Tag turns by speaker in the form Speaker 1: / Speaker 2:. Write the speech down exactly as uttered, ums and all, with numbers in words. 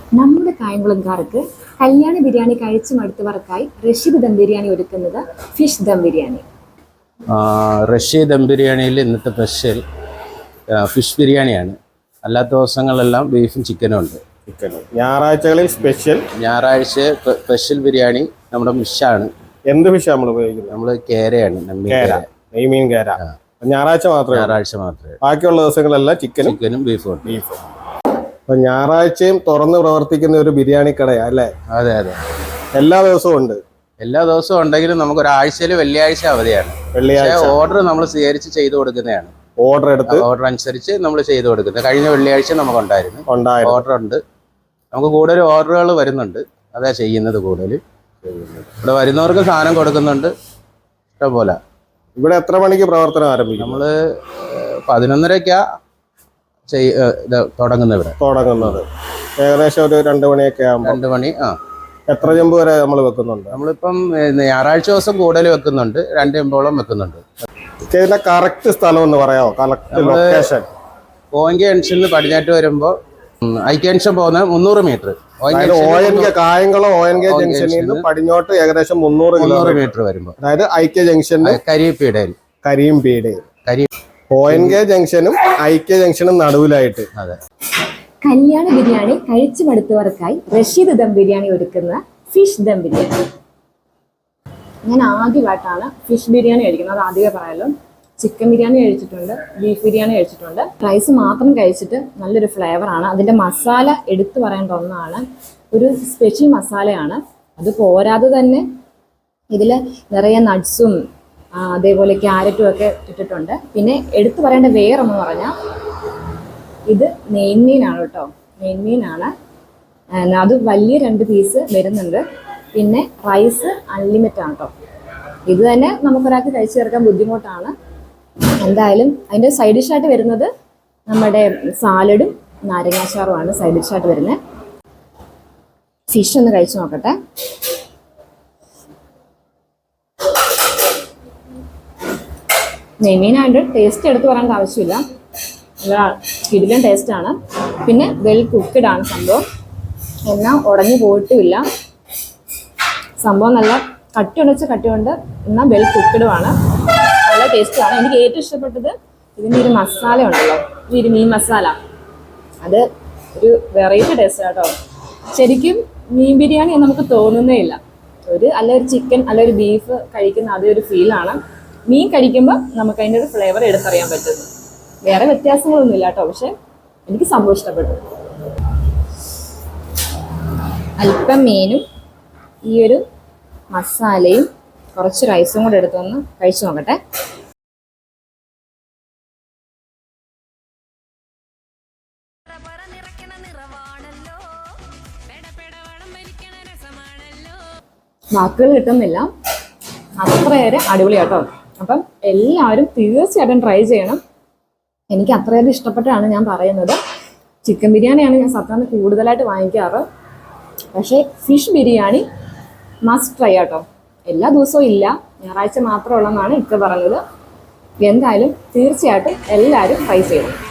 Speaker 1: നമ്മുടെ കായംകുളംകാർക്ക് കല്യാണ ബിരിയാണി കഴിച്ചു മടുത്തവർക്കായി റഷീദ് ദം ബിരിയാണി ഒരുക്കുന്നത് ഫിഷ് ദം ബിരിയാണി.
Speaker 2: റഷീദ് ദം ബിരിയാണിയിൽ ഇന്നത്തെ സ്പെഷ്യൽ ഫിഷ് ബിരിയാണിയാണ്. അല്ലാത്ത ദിവസങ്ങളെല്ലാം ബീഫും ചിക്കനും ഉണ്ട്.
Speaker 3: ചിക്കനും ഞായറാഴ്ചകളിൽ സ്പെഷ്യൽ
Speaker 2: ഞായറാഴ്ച സ്പെഷ്യൽ ബിരിയാണി നമ്മുടെ ഫിഷാണ്.
Speaker 3: എന്ത് ഫിഷാണ് നമ്മൾ ഉപയോഗിക്കുന്നത്?
Speaker 2: നമ്മൾ കേരയാണ്,
Speaker 3: നെയ്മീൻ കേര. ഞായറാഴ്ച മാത്രമേ
Speaker 2: ഞായറാഴ്ച മാത്രമേ
Speaker 3: ബാക്കിയുള്ള ദിവസങ്ങളെല്ലാം ചിക്കനും
Speaker 2: ചിക്കനും ബീഫും
Speaker 3: ബീഫും അപ്പൊ ഞായറാഴ്ചയും തുറന്ന് പ്രവർത്തിക്കുന്ന ഒരു ബിരിയാണി കടയാ അല്ലേ?
Speaker 2: അതെ അതെ,
Speaker 3: എല്ലാ ദിവസവും ഉണ്ട്.
Speaker 2: എല്ലാ ദിവസവും ഉണ്ടെങ്കിലും നമുക്ക് ഒരാഴ്ചയിൽ വെള്ളിയാഴ്ച അവധിയാണ്.
Speaker 3: വെള്ളിയാഴ്ച
Speaker 2: ഓർഡർ നമ്മൾ സ്വീകരിച്ച് ചെയ്തു കൊടുക്കുന്നതാണ്.
Speaker 3: ഓർഡർ എടുത്ത്
Speaker 2: ഓർഡർ അനുസരിച്ച് നമ്മൾ ചെയ്തു കൊടുക്കുന്നത്. കഴിഞ്ഞ വെള്ളിയാഴ്ച നമുക്ക് ഉണ്ടായിരുന്നു ഓർഡർ ഉണ്ട്. നമുക്ക് കൂടുതൽ ഓർഡറുകൾ വരുന്നുണ്ട്, അതാ ചെയ്യുന്നത്. കൂടുതൽ ഇവിടെ വരുന്നവർക്ക് സാധനം കൊടുക്കുന്നുണ്ട് ഇഷ്ടംപോലെ.
Speaker 3: ഇവിടെ എത്ര മണിക്ക് പ്രവർത്തനം ആരംഭിക്കും?
Speaker 2: നമ്മള് പതിനൊന്നരക്കാ തുടങ്ങുന്നത്. ഇവിടെ തുടങ്ങുന്നത്
Speaker 3: ഏകദേശം ഒരു രണ്ട് മണിയൊക്കെ ആകുമ്പോൾ.
Speaker 2: രണ്ട് മണി. ആ,
Speaker 3: എത്ര ചെമ്പ് വരെ നമ്മൾ വെക്കുന്നുണ്ട്?
Speaker 2: നമ്മളിപ്പം ഞായറാഴ്ച ദിവസം കൂടുതൽ വെക്കുന്നുണ്ട്, രണ്ട് ചെമ്പോളം വെക്കുന്നുണ്ട്.
Speaker 3: ഇതിന്റെ കറക്റ്റ് സ്ഥലം എന്ന് പറയാമോ? കറക്റ്റ് ലൊക്കേഷൻ
Speaker 2: ഓങ്കി ജംഗ്ഷനിൽ പടിഞ്ഞാറ്റ് വരുമ്പോൾ ഐക്യ ജംഗ്ഷൻ പോകുന്ന മുന്നൂറ് മീറ്റർ.
Speaker 3: കായംകുളം ഒ എൻ കെ ജംഗ്ഷനിൽ നിന്ന് പടിഞ്ഞോട്ട് ഏകദേശം മുന്നൂറ്
Speaker 2: മുന്നൂറ് മീറ്റർ വരുമ്പോൾ,
Speaker 3: അതായത് ഐക്യ ജംഗ്ഷനിൽ
Speaker 2: കരിയപ്പീടയിൽ
Speaker 3: കരിയമ്പീടയിൽ കരി ഒ എൻ കെ ജംഗ്ഷനും ഐക്യ ജംഗ്ഷനും നടുവിലായിട്ട്.
Speaker 2: അതെ.
Speaker 1: കല്യാണ ബിരിയാണി കഴിച്ചു മടുത്തവർക്കായി റഷീദ് ദം ബിരിയാണി ഒരുക്കുന്ന ഫിഷ് ദം ബിരിയാണി. ഞാൻ ആദ്യമായിട്ടാണ് ഫിഷ് ബിരിയാണി കഴിക്കുന്നത്, അത് ആദ്യമേ പറയാലോ. ചിക്കൻ ബിരിയാണി കഴിച്ചിട്ടുണ്ട്, ബീഫ് ബിരിയാണി കഴിച്ചിട്ടുണ്ട്. റൈസ് മാത്രം കഴിച്ചിട്ട് നല്ലൊരു ഫ്ലേവറാണ്. അതിൻ്റെ മസാല എടുത്തു പറയേണ്ട ഒന്നാണ്, ഒരു സ്പെഷ്യൽ മസാലയാണ്. അത് പോരാതെ തന്നെ ഇതിൽ നിറയെ നട്ട്സും അതേപോലെ ക്യാരറ്റും ഒക്കെ ഇട്ടിട്ടുണ്ട്. പിന്നെ എടുത്തു പറയേണ്ട വേറൊന്ന് പറഞ്ഞാൽ ഇത് നെയ്മീനാണ് കേട്ടോ, നെയ്മീനാണ്. അത് വലിയ രണ്ട് പീസ് വരുന്നുണ്ട്. പിന്നെ റൈസ് അൺലിമിറ്റഡ് ആണ് കേട്ടോ. ഇത് തന്നെ നമുക്കൊരാൾക്ക് കഴിച്ചു ചേർക്കാൻ ബുദ്ധിമുട്ടാണ്. എന്തായാലും അതിൻ്റെ സൈഡ് ഡിഷായിട്ട് വരുന്നത് നമ്മുടെ സാലഡും നാരങ്ങാച്ചാറുമാണ് സൈഡ് ഡിഷായിട്ട് വരുന്നത്. ഫിഷ് ഒന്ന് കഴിച്ചു നോക്കട്ടെ. നെയ്മീനായിട്ട് ടേസ്റ്റ് എടുത്ത് പറയേണ്ട ആവശ്യമില്ല, നല്ല കിടിലൻ ടേസ്റ്റാണ്. പിന്നെ വെൽ കുക്ക്ഡ് ആണ് സംഭവം, എന്നാൽ ഉടഞ്ഞു പോയിട്ടുമില്ല. സംഭവം നല്ല കട്ടി ഉടച്ച് കട്ടി കൊണ്ട്, എന്നാൽ വെൽ കുക്ക്ഡും ആണ്. നല്ല ടേസ്റ്റാണ്. എനിക്ക് ഏറ്റവും ഇഷ്ടപ്പെട്ടത് ഇതിൻ്റെ ഒരു മസാല ഉണ്ടല്ലോ, ഈ ഒരു മീൻ മസാല. അത് ഒരു വെറൈറ്റി ടേസ്റ്റ് കേട്ടോ. ശരിക്കും മീൻ ബിരിയാണി നമുക്ക് തോന്നുന്നേ ഇല്ല. ഒരു അല്ല ഒരു ചിക്കൻ അല്ല ഒരു ബീഫ് കഴിക്കുന്ന അതേ ഒരു ഫീലാണ്. മീൻ കഴിക്കുമ്പോൾ നമുക്ക് അതിൻ്റെ ഒരു ഫ്ലേവർ എടുത്തറിയാൻ പറ്റുന്നു. വേറെ വ്യത്യാസങ്ങളൊന്നും ഇല്ല കേട്ടോ, പക്ഷെ എനിക്ക് സംഭവം ഇഷ്ടപ്പെട്ടു. അല്പം മീനും ഈ ഒരു മസാലയും കുറച്ച് റൈസും കൂടെ എടുത്തൊന്ന് കഴിച്ചു നോക്കട്ടെ. വാക്കുകൾ കിട്ടുന്നില്ല, അത്രയേറെ അടിപൊളിയാട്ടോ. അപ്പം എല്ലാവരും തീർച്ചയായിട്ടും ട്രൈ ചെയ്യണം. എനിക്ക് അത്രയേറെ ഇഷ്ടപ്പെട്ടാണ് ഞാൻ പറയുന്നത്. ചിക്കൻ ബിരിയാണിയാണ് ഞാൻ സാധാരണ കൂടുതലായിട്ട് വാങ്ങിക്കാറ്, പക്ഷേ ഫിഷ് ബിരിയാണി മസ്റ്റ് ട്രൈ ആട്ടോ. എല്ലാ ദിവസവും ഇല്ല, ഞായറാഴ്ച മാത്രമുള്ളതെന്നാണ് ഇക്ക പറഞ്ഞത്. എന്തായാലും തീർച്ചയായിട്ടും എല്ലാവരും ട്രൈ ചെയ്യണം.